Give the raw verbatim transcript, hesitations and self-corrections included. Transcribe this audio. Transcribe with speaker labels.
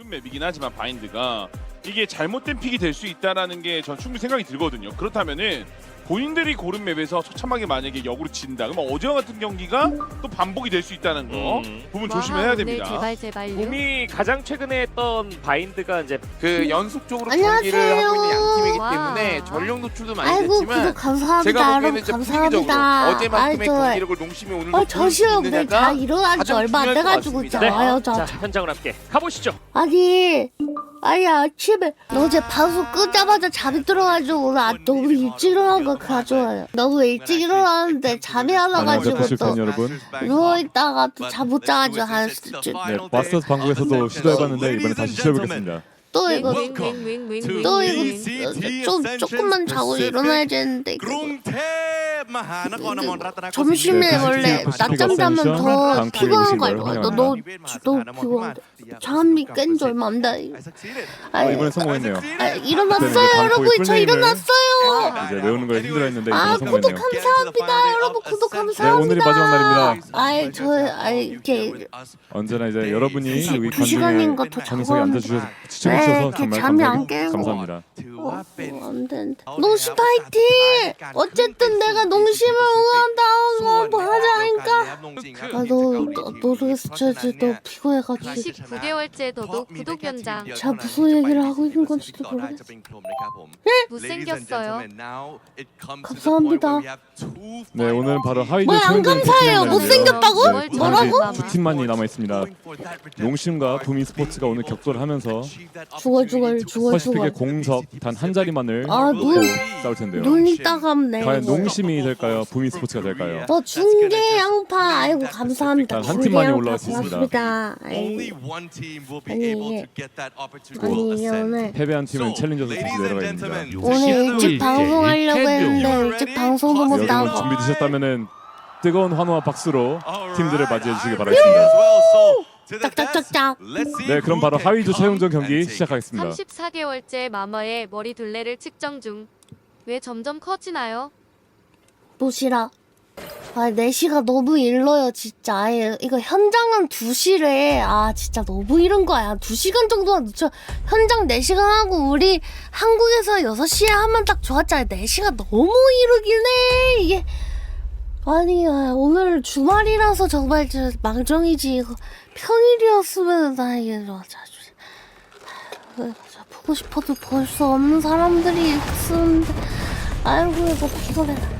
Speaker 1: 쉬운 맵이긴 하지만 바인드가 이게 잘못된 픽이 될 수 있다라는 게 전 충분히 생각이 들거든요. 그렇다면은 본인들이 고른 맵에서 처참하게 만약에 역으로 진다. 그러면 어제와 같은 경기가 또 반복이 될 수 있다는 거
Speaker 2: 음.
Speaker 1: 부분 조심해야 됩니다.
Speaker 3: 제발 제발요.
Speaker 2: 봄이 가장 최근에 했던 바인드가 이제
Speaker 4: 그 연속적으로
Speaker 5: 안녕하세요.
Speaker 4: 경기를 하고 있는 양 팀이기
Speaker 3: 와.
Speaker 4: 때문에 전력 노출도 많이
Speaker 5: 아이고
Speaker 4: 됐지만
Speaker 5: 구독 감사합니다.
Speaker 4: 제가 보기에는
Speaker 5: 여러분
Speaker 4: 이제
Speaker 5: 감사합니다.
Speaker 4: 분위기적으로 어제만큼의
Speaker 5: 아이, 저-
Speaker 4: 경기력을 농심이 오늘도
Speaker 5: 어,
Speaker 4: 보일
Speaker 5: 저
Speaker 4: 수
Speaker 5: 시험 내 다
Speaker 4: 있느냐가
Speaker 5: 일어난 지
Speaker 4: 가장
Speaker 5: 얼마 안
Speaker 4: 중요할 것
Speaker 5: 돼가지고
Speaker 4: 같습니다.
Speaker 5: 있잖아요. 저.
Speaker 2: 자 현장으로 함께 가보시죠.
Speaker 5: 아니, 아니 아침에 어제 방송 끄자마자 잠이 들어가지고 오늘 아, 너무 일찍 일어난 거 가져와요. 너무 일찍 일어났는데 잠이 안 와가지고
Speaker 6: 안녕하세요,
Speaker 5: 또
Speaker 6: 팬 여러분.
Speaker 5: 누워있다가 또 잠 못 자가지고 한 수준.
Speaker 6: 네, 마스터즈 방송에서도 시도해봤는데 이번에 다시 시도해보겠습니다.
Speaker 5: 또 이거
Speaker 3: 윙윙윙윙.
Speaker 5: 또 이거 좀 조금만 자고 일어나야 되는데 이거. 점심에 원래 낮잠 자면 더 피곤한 거 알고. 너너 너 피곤한데 잠이 깬 지 얼마 안 돼.
Speaker 6: 아, 이번에 성공했네요.
Speaker 5: 아, 일어났어요 여러분. 저 일어났어요.
Speaker 6: 이제 외우는 거에 힘들어했는데
Speaker 5: 아
Speaker 6: 이번에
Speaker 5: 구독
Speaker 6: 성공했네요.
Speaker 5: 감사합니다 여러분. 구독
Speaker 6: 네,
Speaker 5: 감사합니다.
Speaker 6: 오늘이 마지막 날입니다.
Speaker 5: 아이 저 아이 이렇게
Speaker 6: 언제나 이제 여러분이 여기
Speaker 5: 두 시간인
Speaker 6: 관중에
Speaker 5: 것도
Speaker 6: 정성에 앉아주셔서
Speaker 5: 네,
Speaker 6: 시청해주셔서
Speaker 5: 이렇게
Speaker 6: 정말
Speaker 5: 잠이 안
Speaker 6: 감사합니다.
Speaker 5: 깨고.
Speaker 6: 감사합니다.
Speaker 5: 어, 어, 안 되는데. 농심 파이팅! 어쨌든 내가 농심을 응원한다고 뭐 하자니까. 아너 모르겠어. 저 이제 너무 피곤해가지고.
Speaker 3: 십구 개월째 너도 구독 연장.
Speaker 5: 제가 무슨 얘기를 하고 있는 건지도 모르겠어.
Speaker 3: 못생겼어요.
Speaker 5: 감사합니다.
Speaker 6: 네, 오늘은 바로 하이드
Speaker 5: 뭐야, 안 감사해요. 못생겼다고?
Speaker 6: 네,
Speaker 5: 뭐라고?
Speaker 6: 두 팀만이 남아 있습니다. 농심과 부미 스포츠가 오늘 격돌을 하면서
Speaker 5: 죽어 죽어 죽어 죽어.
Speaker 6: 퍼시픽의 공석 단 한 자리만을
Speaker 5: 아,
Speaker 6: 놓고
Speaker 5: 눈-
Speaker 6: 싸울 텐데요.
Speaker 5: 눈이 따갑네.
Speaker 6: 과연 농심이 될까요? 부미 스포츠가 될까요?
Speaker 5: 너 중계 양파. 아이고 감사합니다.
Speaker 6: 한
Speaker 5: 중계
Speaker 6: 팀만이
Speaker 5: 양파
Speaker 6: 올라갈 수 있습니다.
Speaker 5: 고맙습니다. 아이, 아니 이게 아니 이게 오늘
Speaker 6: 패배한 팀은 챌린저스 팀으로 내려가 있습니다.
Speaker 5: 오늘 일찍 방송하려고 했는데 일찍 방송도 못
Speaker 6: 여러분
Speaker 5: 나오고.
Speaker 6: 준비되셨다면은 뜨거운 환호와 박수로 팀들을 맞이해 주시기 바라겠습니다.
Speaker 5: 짝짝짝짝.
Speaker 6: 네, 그럼 바로 하위조 최종전 경기 시작하겠습니다.
Speaker 3: 삼십사 개월째 마마의 머리 둘레를 측정 중. 왜 점점 커지나요?
Speaker 5: 도시락. 아, 네 시가 너무 일러요, 진짜. 아예 이거 현장은 두 시래. 아, 진짜 너무 이른 거야. 두 시간 정도만 늦춰. 현장 네 시간 하고 우리 한국에서 여섯 시에 하면 딱 좋았잖아요. 네 시가 너무 이르긴 해. 이게 아니, 아, 오늘 주말이라서 정말 저 망정이지. 이거 평일이었으면 나 이게 맞아. 보고 싶어도 볼 수 없는 사람들이 있었는데. 아이고, 이거 피곤해.